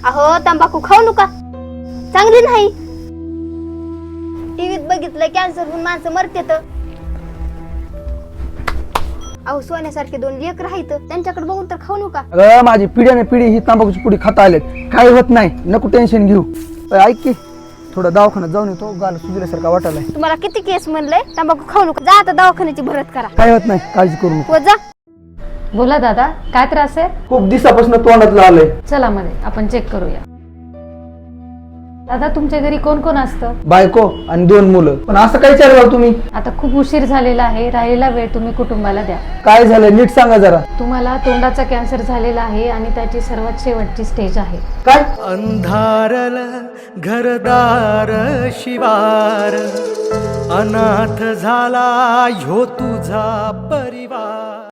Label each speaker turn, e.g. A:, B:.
A: अहो तंबाखू खाऊ नका, चांगली नाही. टीव्हीत बघितलंय कॅन्सर होऊन माणसं मरतेत. अहो सोन्यासारखे 2 लेकरं आहेत, त्यांच्याकडे बघून तर खाऊ नका.
B: अगं माझी पिढ्याने पिढी ही तांबाखूची पुडी खाता आलेत, काही होत नाही, नको टेन्शन घेऊ. ऐक की थोडं दवाखान्यात जाऊन येतो, गाल सुजल्यासारखा वाटायलाय.
A: तुम्हाला किती केस म्हणलंय तंबाखू खाऊ नका, जा आता दवाखान्याची भरत करा.
B: काय होत नाही, काळजी करू नको.
A: हो जा.
C: बोला दादा, काय त्रास आहे?
B: खूप दिवसापासून तोंडातलं आलंय.
C: चला मध्ये आपण चेक करूया. दादा तुमच्या घरी कोण कोण असतं?
B: बायको आणि 2 मुलं. पण असं काय विचारलं तुम्ही?
C: आता खूप उशीर झालेला आहे, राहिलेला वेळ तुम्ही कुटुंबाला द्या.
B: काय झालं नीट सांगा जरा.
C: तुम्हाला तोंडाचा कॅन्सर झालेला आहे आणि त्याची सर्वात शेवटची स्टेज आहे.
B: काय?
D: अंधारल घरदार शिवार, अनाथ झाला ह्यो तुझा परिवार.